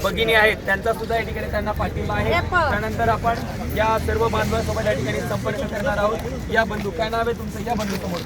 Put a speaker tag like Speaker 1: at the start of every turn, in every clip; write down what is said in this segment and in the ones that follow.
Speaker 1: भगिनी आहेत त्यांचा सुद्धा या ठिकाणी त्यांना पाठिंबा आहे। त्यानंतर आपण या सर्व बांधवांसोबत या ठिकाणी संपर्क करणार आहोत। या बंधू, काय नाव आहे तुमचं? या बंधू समोर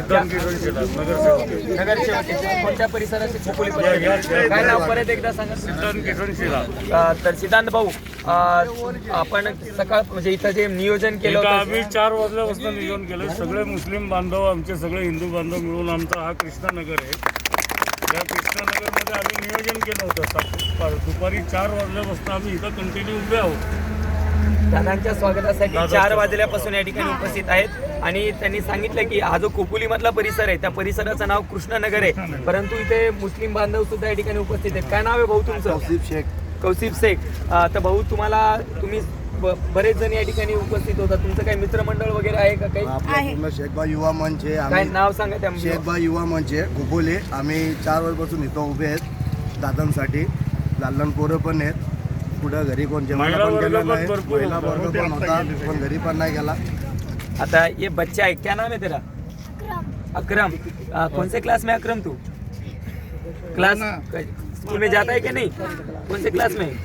Speaker 1: नगरसेवक कोणत्या परिसराचे खोपोली काय नाव परत एकदा सांगा? तर सिद्धांत भाऊ, आपण सकाळ म्हणजे इथं जे नियोजन केलं होतं,
Speaker 2: आम्ही 4 वाजल्यापासून नियोजन केलं। सगळे मुस्लिम बांधव, आमचे सगळे हिंदू बांधव मिळून आमचा हा कृष्णानगर आहे। या कृष्णानगरमध्ये आम्ही नियोजन केलं होतं। दुपारी 4 वाजल्यापासून आम्ही इथं कंटिन्यू उभे आहोत।
Speaker 1: दादांच्या स्वागतासाठी 4 वाजल्यापासून या ठिकाणी उपस्थित आहेत आणि त्यांनी सांगितलं की हा जो खोपोली मधला परिसर आहे त्या परिसराचं नाव कृष्णनगर आहे, परंतु इथे मुस्लिम बांधव सुद्धा या ठिकाणी उपस्थित आहेत। काय नाव आहे भाऊ तुमचं? कौसिफ शेख। तर भाऊ, तुम्ही बरेच जण या ठिकाणी उपस्थित होता, तुमचं काही मित्रमंडळ वगैरे आहे का? काही
Speaker 3: शेखबा युवा मंच आहे।
Speaker 1: काय नाव सांगा त्या?
Speaker 3: शेखबा युवा मंच आहे खोपोली। आम्ही 4 वाजपासून इथं उभे आहेत दादांसाठी। लहान पोरं पण आहेत, पुढं घरी कोण जेवायला पण गेलं नाही, महिला वर्ग पण होता पण घरी पण नाही गेला।
Speaker 1: आता ये बच्चा है, क्या नाम है तेरा? अकरम। कौन से क्लास में अकरम तू? क्लास स्कूल में जाता है कि नहीं? कौन से क्लास में?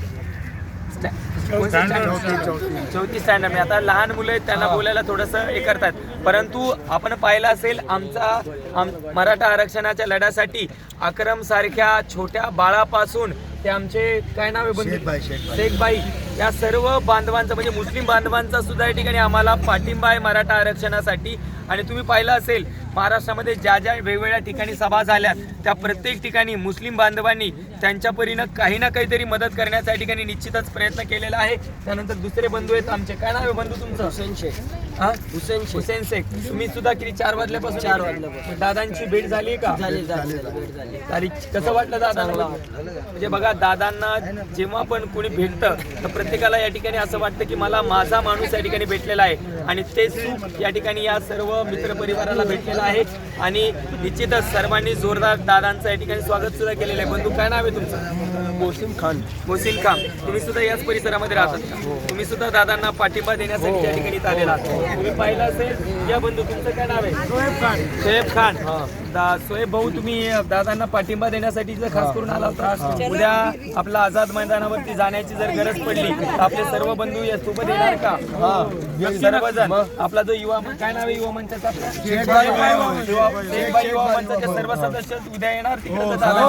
Speaker 1: चौथी स्टँडर्ड में। आता लहान मुलं आहेत, त्यांना बोलायला थोडंसं हे करतात, परंतु आपण पाहिलं असेल मराठा आरक्षणाच्या लढ्यासाठी अकरम सारख्या छोट्या बाळापासून ते आमचे काय नाव आहे? शेखबाई। या सर्व बांधवांचा म्हणजे मुस्लिम बांधवांचा सुद्धा या ठिकाणी आम्हाला पाठिंबा आहे मराठा आरक्षणासाठी। आणि तुम्ही पाहिलं असेल महाराष्ट्रामध्ये ज्या ज्या वेगवेगळ्या ठिकाणी सभा झाल्या त्या प्रत्येक ठिकाणी मुस्लिम बांधवांनी त्यांच्या परीनं काही ना काहीतरी मदत करण्याचा या ठिकाणी निश्चितच प्रयत्न केलेला आहे। त्यानंतर दुसरे बंधू आहेत आमचे, काय नाव आहे बंधू तुमचं? हुसेन शेख। हुसेन शेख। तुम्ही सुद्धा किती 4 वाजल्यापासून? 4 वाजल्यापासून। दादांची भेट झाली का? झाली। तारीख कसं वाटलं दादांना? म्हणजे बघा, दादांना जेव्हा पण कोणी भेटतं तर प्रत्येकाला या ठिकाणी असं वाटतं की मला माझा माणूस या ठिकाणी भेटलेला आहे आणि ते सुख या ठिकाणी या सर्व मित्रपरिवाराला भेटलेलं आहे। आणि निश्चितच सर्वांनी जोरदार दादांचं या ठिकाणी स्वागत सुद्धा केलेलं आहे। बंधू, काय नाव आहे तुमचं? मोहसिन खान। तुम्ही सुद्धा याच परिसरामध्ये राहतात का? तुम्ही सुद्धा दादांना पाठिंबा देण्यासाठी या ठिकाणी आलेला आहात। तुम्ही पाहिलं असेल या बंधू, तुमचं काय नाव आहे? शोएब खान। शोएब भाऊ, तुम्ही दादांना पाठिंबा देण्यासाठी जर खास करून आला होता, उद्या आपला आझाद मैदानावरती जाण्याची जर गरज पडली तर आपले सर्व बंधू या सोबत येणार का? सर्वजण। आपला जो युवा, काय नाव आहे युवा मंचाचा? शेखबाई युवा मंचाचे सर्व सदस्य उद्या येणार तिकडे?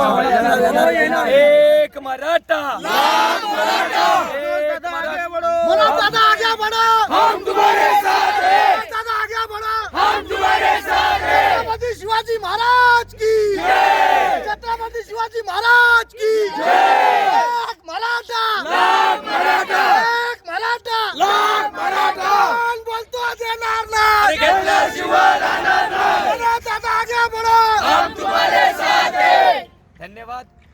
Speaker 1: एक मराठा, एक
Speaker 4: हम तुम्हारे साथ हैं, दादा आगे बढ़ो, हम तुम्हारे साथ हैं। छत्रपति शिवाजी महाराज की जय, छत्रपति शिवाजी महाराज की जय। एक मराठा, लाख मराठा, एक मराठा, लाख मराठा। कोण बोलतो देणार नाही, घेतल्याशिवाय राहणार नाही। दादा आगे बढ़ो, हम तुम्हारे साथ हैं।
Speaker 1: धन्यवाद।